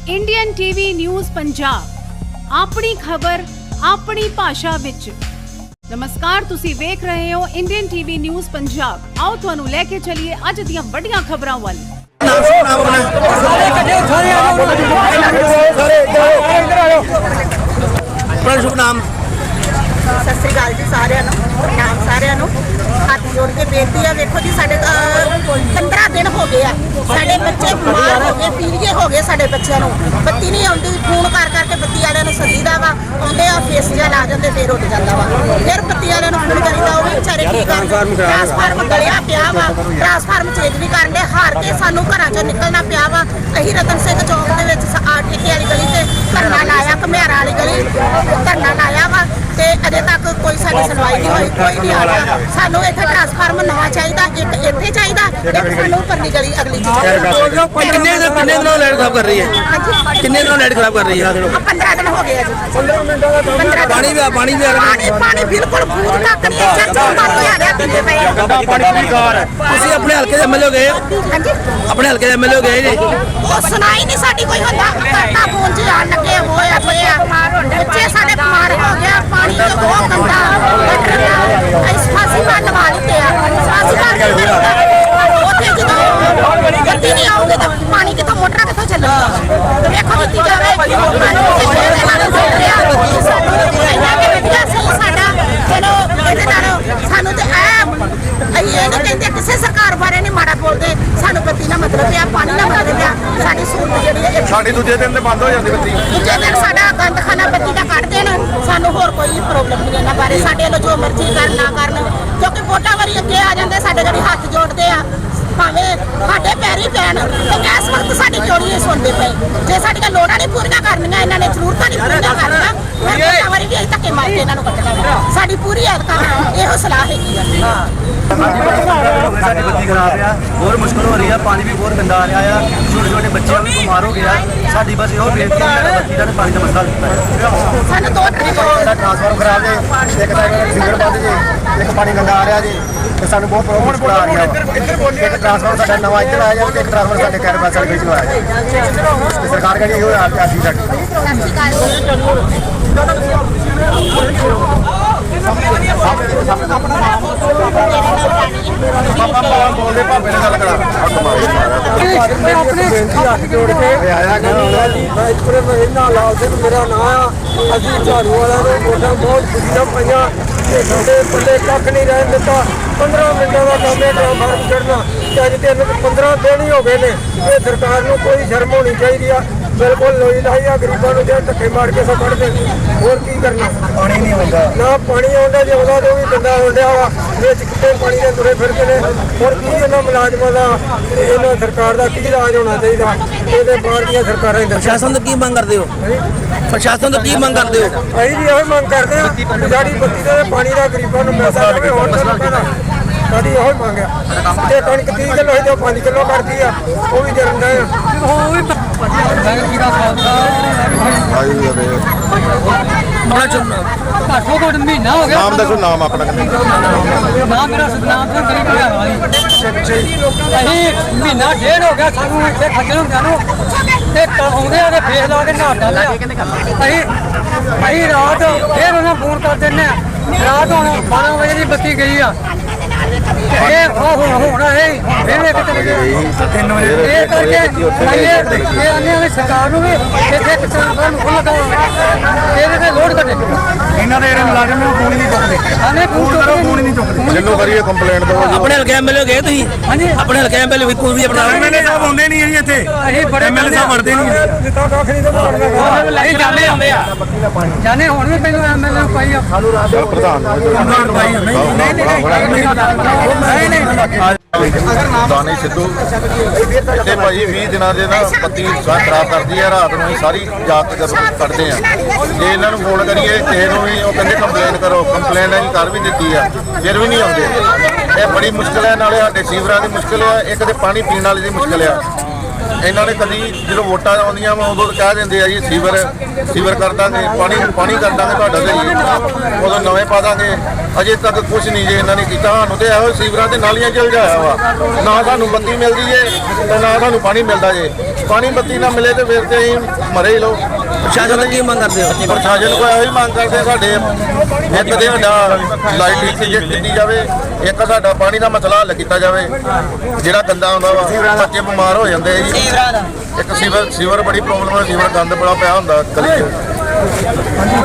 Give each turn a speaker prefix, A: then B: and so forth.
A: Indian TV news Punjab अपनी खबर अपनी भाषा विच। नमस्कार, तुसी वेख रहे हो इंडियन टीवी न्यूज़ पंजाब। आओ तुहानू लेके चलिए अज दियां वड्डियां खबरां वाल।
B: शुभ नाम
C: सत श्री अकाल जी सारिਆਂ ਨੂੰ ਨਾਮ ਸਾਰਿਆਂ ਨੂੰ ਹੱਥ ਜੋੜ ਕੇ ਬੇਨਤੀ ਹੈ। ਵੇਖੋ ਜੀ ਸਾਡੇ 15 ਦਿਨ ਹੋ ਗਏ ਆ, ਸਾਡੇ ਬੱਚੇ ਬਿਮਾਰ ਹੋ ਗਏ, ਪੀਲੀਏ ਹੋ ਗਏ ਸਾਡੇ ਬੱਚਿਆਂ ਨੂੰ। ਬੱਤੀ ਨਹੀਂ ਆਉਂਦੀ, ਫੋਨ ਕਰ ਕਰਕੇ ਬੱਤੀ ਵਾਲਿਆਂ ਨੂੰ ਸੱਦੀਦਾ ਵਾ, ਆਉਂਦੇ ਆ ਫੇਸ ਜਿਹਾ ਲਾ ਜਾਂਦੇ, ਫੇਰ ਉੱਡ ਜਾਂਦਾ ਵਾ। ਫਿਰ ਬੱਤੀ ਵਾਲਿਆਂ ਨੂੰ ਫੋਨ ਕਰੀਦਾ, ਉਹ ਵੀ ਵਿਚਾਰੇ ਕੀ ਕਰਨ। ਟਰਾਂਸਫਾਰਮ ਗਲਿਆ ਪਿਆ ਵਾ, ਟਰਾਂਸਫਾਰਮ ਚੇਂਜ ਨਹੀਂ ਕਰਨ ਦੇ, ਹਾਰ ਕੇ ਸਾਨੂੰ ਘਰਾਂ ਚੋਂ ਨਿਕਲਣਾ ਪਿਆ ਵਾ। ਅਸੀਂ ਰਤਨ ਸਿੰਘ ਚੌਕ ਦੇ ਵਿੱਚ ਠੇਕੇ ਵਾਲੀ ਗਲੀ ਤੇ ਧਰਨਾ ਲਾਇਆ, ਘਮਿਆਰਾ ਵਾਲੀ ਗਲੀ ਧਰਨਾ ਲਾਇਆ ਵਾ, ਤੇ ਅਜੇ ਤੱਕ ਕੋਈ ਸਾਡੀ ਸੁਣਵਾਈ ਨਹੀਂ ਹੋਈ, ਕੋਈ ਨਹੀਂ ਆ ਰਿਹਾ। ਸਾਨੂੰ ਇੱਥੇ ਟਰਾਂਸਫਾਰਮਰ ਨਵਾਂ ਚਾਹੀਦਾ, ਇੱਕ ਇੱਥੇ ਚਾਹੀਦਾ, ਇੱਕ ਸਾਨੂੰ ਪਰਲੀ ਗਲੀ ਅਗਲੀ
B: ਕਿੰਨੇ ਦਿਨੋਂ ਲਾਈਟ ਖਰਾਬ ਕਰ ਰਹੀ ਹੈ? ਕਿੰਨੇ ਦਿਨੋਂ ਲਾਈਟ ਖਰਾਬ ਕਰ ਰਹੀ ਹੈ?
C: 15 ਦਿਨ ਹੋ ਗਏ ਆ ਜੀ। 15 ਦਿਨ
B: ਪਾਣੀ ਵੀ
C: ਪਾਣੀ ਬਿਲਕੁਲ ਫੂਟ ਤੱਕ ਨਹੀਂ ਚੱਲਦਾ, ਬੰਦ ਹੋਇਆ ਰਿਹਾ ਪੀਂਦੇ ਪਏ।
B: ਤੁਸੀਂ ਆਪਣੇ ਹਲਕੇ ਦੇ ਐਮਐਲਏ ਗਏ?
C: ਹਾਂਜੀ,
B: ਆਪਣੇ ਹਲਕੇ ਦੇ ਐਮਐਲਏ ਗਏ ਜੀ?
C: ਉਹ ਸੁਣਾਈ ਨਹੀਂ ਸਾਡੀ ਕੋਈ ਹੁੰਦਾ, ਕਰਤਾ ਫੋਨ 'ਚ ਆਣ ਲੱਗੇ ਹੋਇਆ ਬੱਚੇ ਸਾਡੇ ਬਿਮਾਰ ਹੋ ਗਿਆ, ਪਾਣੀ ਤੋਂ ਬਹੁਤ ਗੰਦਾ ਇਸ ਫਾਸੀ ਮਾਰ ਲਵਾ ਲਿੱਤੇ ਆ। ਫਾਸੀ ਮਾਰ ਕੇ ਉੱਥੇ ਜਦੋਂ ਗੱਡੀ ਨਹੀਂ ਆਉਂਦੀ ਤਾਂ ਪਾਣੀ ਕਿੱਥੋਂ, ਮੋਟਰਾਂ ਕਿੱਥੋਂ ਚੱਲਣਗੀਆਂ? ਵੇਖੋ ਦਿੱਤੀ ਜਾਵੇ ਸਾਡਾ ਚਲੋ ਇਹਦੇ ਨਾਲ ਸਾਨੂੰ ਤੇ ਅਸੀਂ ਇਹ ਨਹੀਂ ਕਹਿੰਦੇ, ਕਿਸੇ ਸਰਕਾਰ ਬਾਰੇ ਨਹੀਂ ਮਾੜਾ ਬੋਲਦੇ। ਸਾਨੂੰ ਬੱਤੀ ਨਾਲ ਮਤਲਬ ਆ, ਪਾਣੀ ਨਾਲ ਮਤਲਬ ਆ। ਸਾਡੀ ਸਹੂਲਤ ਜਿਹੜੀ ਹੈ
D: ਸਾਡੀ ਦੂਜੇ ਦਿਨ ਤੇ ਬੰਦ ਹੋ ਜਾਂਦੀ ਬੱਤੀ।
C: ਦੂਜੇ ਦਿਨ ਸਾਡਾ ਗੰਦਖਾਨਾ ਬੱਤੀ ਦਾ ਕੱਢ ਦੇਣ, ਸਾਨੂੰ ਹੋਰ ਕੋਈ ਪ੍ਰੋਬਲਮ ਨਹੀਂ ਇਹਨਾਂ ਬਾਰੇ। ਸਾਡੇ ਵੱਲੋਂ ਜੋ ਮਰਜ਼ੀ ਕਰਨ ਨਾ ਕਰਨ, ਕਿਉਂਕਿ ਵੋਟਾਂ ਵਾਰੀ ਅੱਗੇ ਆ ਜਾਂਦੇ ਸਾਡੇ ਜਿਹੜੀ ਹੱਥ ਜੋੜਦੇ ਆ, ਭਾਵੇਂ ਸਾਡੇ ਪੈਰੀ ਪੈਣ। ਤੇ ਇਸ ਵਕਤ ਸਾਡੀ ਕਿਉਂ ਨਹੀਂ ਸੁਣਦੇ ਪਏ? ਜੇ ਸਾਡੀਆਂ ਲੋੜਾਂ ਨਹੀਂ ਪੂਰੀਆਂ ਕਰਨੀਆਂ, ਇਹਨਾਂ ਨੇ ਜ਼ਰੂਰਤਾਂ ਨਹੀਂ ਪੂਰੀਆਂ ਕਰਨੀਆਂ, ਫਿਰ ਵੋਟਾਂ ਵਾਰੀ ਵੀ ਅਸੀਂ ਧੱਕੇ ਮਾਰ ਕੇ ਇਹਨਾਂ ਨੂੰ ਕੱਢਣਾ। ਸਾਡੀ ਪੂਰੀ ਹੱਥ ਇਹੋ ਸਲਾਹ ਹੈਗੀ ਆ।
E: साड़ी बत्ती खराब है, बहुत मुश्किल हो रही है, पानी भी बहुत गंदा आ रहा है, छोटे छोटे बच्चे भी बीमार हो गए हैं। साड़ी बस यो बेनती है बत्ती का पानी का मसला है।
C: ਸਾਨੂੰ ਦੋ
D: ਟਰਾਂਸਫਾਰਮ ਖਰਾਬ ਜੇ, ਇੱਕ ਤਾਂ ਸਿੰਗਲ ਬੰਦ ਜੇ, ਇੱਕ ਪਾਣੀ ਗੰਦਾ ਆ ਰਿਹਾ ਜੇ, ਤੇ ਸਾਨੂੰ ਬਹੁਤ ਪ੍ਰੋਬਲਮ ਆ ਰਹੀ ਹੈ। ਇੱਕ ਟਰਾਂਸਫਾਰਮ ਸਾਡਾ ਨਵਾਂ ਇੱਥੇ ਲਾਇਆ ਜਾਵੇ, ਤੇ ਇੱਕ ਟਰਾਂਸਫਾਰਮ ਸਾਡੇ ਕੈਰਬਾਸ ਵਾਲੀ ਗਲੀ 'ਚ ਲਵਾਇਆ ਜਾਵੇ। ਤੇ ਸਰਕਾਰ ਕਹਿੰਦੀ ਇਹੋ ਆਰਤੀ ਸਾਡੀ। ਬੋਲਦੇ ਭਾਵੇਂ ਨਾਲ ਗੱਲ ਕਰਾ
F: ਮੇਰਾ ਨਾਂ ਅਸੀਂ ਝਾੜੂ ਵਾਲਿਆਂ ਨੂੰ ਵੋਟਾਂ ਬਹੁਤ ਖੁਸ਼ੀ ਨਾਲ ਪਾਈਆਂ ਤੇ ਸਾਡੇ ਪੱਲੇ ਕੱਖ ਨਹੀਂ ਰਹਿਣ ਦਿੱਤਾ। 15 ਮਿੰਟਾਂ ਦਾ ਕੰਮ ਹੈ ਟਰਾਂਸਫਾਰਮ ਚੜ੍ਹਨਾ, ਤੇ ਅੱਜ 15 ਦਿਨ ਹੀ ਹੋ ਗਏ ਨੇ। ਇਹ ਸਰਕਾਰ ਨੂੰ ਕੋਈ ਸ਼ਰਮ ਹੋਣੀ ਚਾਹੀਦੀ ਆ। ਬਿਲਕੁਲ ਲੋਈ ਲਾਈ ਆ ਗਰੀਬਾਂ ਨੂੰ, ਜੇ ਧੱਕੇ ਮਾਰ ਕੇ ਸੋ ਕੱਢਦੇ, ਹੋਰ ਕੀ ਕਰਨਾ?
D: ਪਾਣੀ ਨਹੀਂ ਆਉਂਦਾ
F: ਨਾ ਪਾਣੀ ਆਉਂਦਾ, ਜੇ ਉਹਦਾ ਤੋਂ ਵੀ ਗੰਦਾ ਹੋ ਰਿਹਾ ਵਾ। ਵਿੱਚ ਕਿਤੇ ਪਾਣੀ ਦੇ ਤੁਰੇ ਫਿਰਦੇ ਨੇ। ਹੋਰ ਕੀ ਇਹਨਾਂ ਮੁਲਾਜ਼ਮਾਂ ਦਾ, ਇਹਨਾਂ ਸਰਕਾਰ ਦਾ ਕੀ ਇਲਾਜ ਹੋਣਾ ਚਾਹੀਦਾ? ਇਹਦੇ ਬਾਹਰ ਦੀਆਂ ਸਰਕਾਰਾਂ ਹੀ ਦੱਸਣ।
B: ਪ੍ਰਸ਼ਾਸਨ ਤੋਂ ਕੀ ਮੰਗ ਕਰਦੇ ਹੋ? ਪ੍ਰਸ਼ਾਸਨ ਤੋਂ ਕੀ ਮੰਗ ਕਰਦੇ ਹੋ?
F: ਅਸੀਂ ਵੀ ਇਹੋ ਮੰਗ ਕਰਦੇ ਹਾਂ ਕਿ ਸਾਡੀ ਬੱਤੀ ਦਾ ਤੇ ਪਾਣੀ ਦਾ ਗਰੀਬਾਂ ਨੂੰ ਮਿਲਦਾ ਰਹੇ। ਹੋਰ ਤਾਂ ਲੋਕਾਂ ਦਾ ਸਾਡੀ ਇਹੋ ਮੰਗ ਆ। ਜੇ ਕਣਕ 30 ਕਿਲੋ ਹੋਈ ਤਾਂ 5 ਕਿਲੋ ਕਰਦੀ ਆ, ਉਹ ਵੀ ਜਰਦਾ ਆ।
B: ਆਪਣਾ ਚੁਣਨਾ
F: ਘੱਟੋ ਘੱਟ ਮਹੀਨਾ ਹੋ ਗਿਆ।
D: ਨਾਮ ਦੱਸੋ, ਨਾਮ ਆਪਣਾ
F: ਨਾਮ ਮੇਰਾ ਸਤਨਾਮ ਸਿੰਘ ਗਰੀਬ ਅਸੀਂ ਮਹੀਨਾ ਡੇਢ ਹੋ ਗਿਆ ਸਾਨੂੰ ਇੱਥੇ ਖੱਜਲ ਹੁੰਦਿਆਂ ਨੂੰ, ਤੇ ਆਉਂਦੇ ਆ ਤੇ ਫੇਸ ਲਾ ਕੇ ਨਹਾਤਾ ਲਿਆ। ਅਸੀਂ ਰਾਤ ਫੇਰ ਉਹਨਾਂ ਫੋਨ ਕਰ ਦਿੰਦੇ ਆ। ਰਾਤ ਹੁਣ 12 ਵਜੇ ਦੀ ਬੱਤੀ ਗਈ ਆ, ਇਹ ਹੁਣ ਫੇਰ ਇੱਕ ਚਲੇ ਗਏ 3 ਵਜੇ। ਇਹ ਕਰਕੇ ਇਹ ਆਨੇ ਵੀ ਸਰਕਾਰ ਨੂੰ ਵੀ ਇੱਥੇ ਕਿਸਾਨਾਂ ਨੂੰ ਖੁੱਲ੍ਹ ਲਗਾਓ, ਇਹਦੇ ਤੇ ਲੋਡ ਕੱਢੇ।
D: ਇਹਨਾਂ ਦੇ ਜਿਹੜੇ ਮੁਲਾਜ਼ਮ ਨੇ ਉਹ ਫੋਨ ਨਹੀਂ ਚੁੱਕਦੇ।
F: ਆਨੇ ਫੋਨ ਨਹੀਂ ਚੁੱਕਦੇ।
D: ਜਿੰਨੂੰ ਕਰੀਏ ਕੰਪਲੇਂਟ ਦੋ।
B: ਆਪਣੇ ਹਲਕੇ ਐਮਐਲਏ ਗਏ ਤੁਸੀਂ?
F: ਹਾਂਜੀ,
B: ਆਪਣੇ ਹਲਕੇ ਐਮਐਲਏ ਕੋਈ ਵੀ ਆਪਣਾ
D: ਐਮਐਲਏ ਸਾਹਿਬ ਆਉਂਦੇ ਨਹੀਂ ਜੀ ਇੱਥੇ।
F: ਅਸੀਂ ਬੜੇ
D: ਐਮਐਲਏ ਸਾਹਿਬ ਵੜਦੇ ਨਹੀਂ।
F: ਜਿੱਦਾਂ ਕੱਖ ਨਹੀਂ ਤਾਂ
B: ਅਸੀਂ ਜਾਂਦੇ ਆਉਂਦੇ ਆ।
F: ਜਾਣੇ ਹੁਣ ਵੀ ਪਹਿਲਾਂ ਐਮਐਲਏ ਨੂੰ ਪਾਈ ਆ।
D: ਪ੍ਰਧਾਨ ਦਾਨੀ ਸਿੱਧੂ ਇੱਥੇ ਭਾਈ 20 ਦਿਨਾਂ ਦੇ ਨਾ ਬੱਤੀ ਖਰਾਬ ਕਰਦੀ ਹੈ। ਰਾਤ ਨੂੰ ਸਾਰੀ ਰਾਤ ਜਦੋਂ ਕੱਢਦੇ ਆ, ਜੇ ਇਹਨਾਂ ਨੂੰ ਫੋਨ ਕਰੀਏ ਕਿਸੇ ਨੂੰ ਵੀ ਉਹ ਕਹਿੰਦੇ ਕੰਪਲੇਨ ਕਰੋ। ਕੰਪਲੇਨ ਅਸੀਂ ਕਰ ਵੀ ਦਿੱਤੀ ਆ, ਫਿਰ ਵੀ ਨਹੀਂ ਆਉਂਦੇ। ਇਹ ਬੜੀ ਮੁਸ਼ਕਿਲ ਹੈ। ਨਾਲੇ ਸਾਡੇ ਸੀਵਰਾਂ ਦੀ ਮੁਸ਼ਕਿਲ ਆ, ਇੱਕ ਤੇ ਪਾਣੀ ਪੀਣ ਵਾਲੀ ਦੀ ਮੁਸ਼ਕਿਲ ਆ।
G: ਇਹਨਾਂ ਨੇ ਕਦੀ ਜਦੋਂ ਵੋਟਾਂ ਆਉਂਦੀਆਂ ਵਾ ਉਦੋਂ ਕਹਿ ਦਿੰਦੇ ਆ ਜੀ ਸੀਵਰ ਕਰ ਦਾਂਗੇ, ਪਾਣੀ ਕਰ ਦਾਂਗੇ ਤੁਹਾਡਾ ਤੇ ਜੀ, ਉਦੋਂ ਨਵੇਂ ਪਾ ਦਾਂਗੇ। ਅਜੇ ਤੱਕ ਕੁਝ ਨਹੀਂ ਜੇ ਇਹਨਾਂ ਨੇ ਕੀਤਾ। ਸਾਨੂੰ ਤੇ ਇਹੋ ਸੀਵਰਾਂ ਤੇ ਨਾਲੀਆਂ ਚਲ ਜਾਇਆ ਵਾ, ਨਾ ਸਾਨੂੰ ਬੱਤੀ ਮਿਲਦੀ ਜੇ ਤੇ ਨਾ ਸਾਨੂੰ ਪਾਣੀ ਮਿਲਦਾ ਜੇ। ਪਾਣੀ ਬੱਤੀ ਨਾ ਮਿਲੇ ਤੇ ਫਿਰ ਤੇ ਅਸੀਂ ਮਰੇ ਹੀ ਲੋ।
B: ਪ੍ਰਸ਼ਾਸਨ ਤੋਂ ਕੀ ਮੰਗ ਕਰਦੇ ਹੋ?
G: ਪ੍ਰਸ਼ਾਸਨ ਕੋਲ ਇਹੋ ਹੀ ਮੰਗ ਕਰਦੇ ਸਾਡੇ ਇੱਕ ਤੇ ਸਾਡਾ ਲਾਈਟ ਕੀਤੀ ਜਾਵੇ, ਇੱਕ ਸਾਡਾ ਪਾਣੀ ਦਾ ਮਸਲਾ ਹੱਲ ਕੀਤਾ ਜਾਵੇ। ਜਿਹੜਾ ਗੰਦਾ ਆਉਂਦਾ ਵਾ ਬੱਚੇ ਬਿਮਾਰ ਹੋ ਜਾਂਦੇ ਆ ਜੀ। ਇੱਕ ਸੀਵਰ ਬੜੀ ਪ੍ਰੋਬਲਮ ਹੈ, ਸੀਵਰ ਗੰਦ ਬੜਾ ਪਿਆ ਹੁੰਦਾ ਗਲੀ 'ਚ।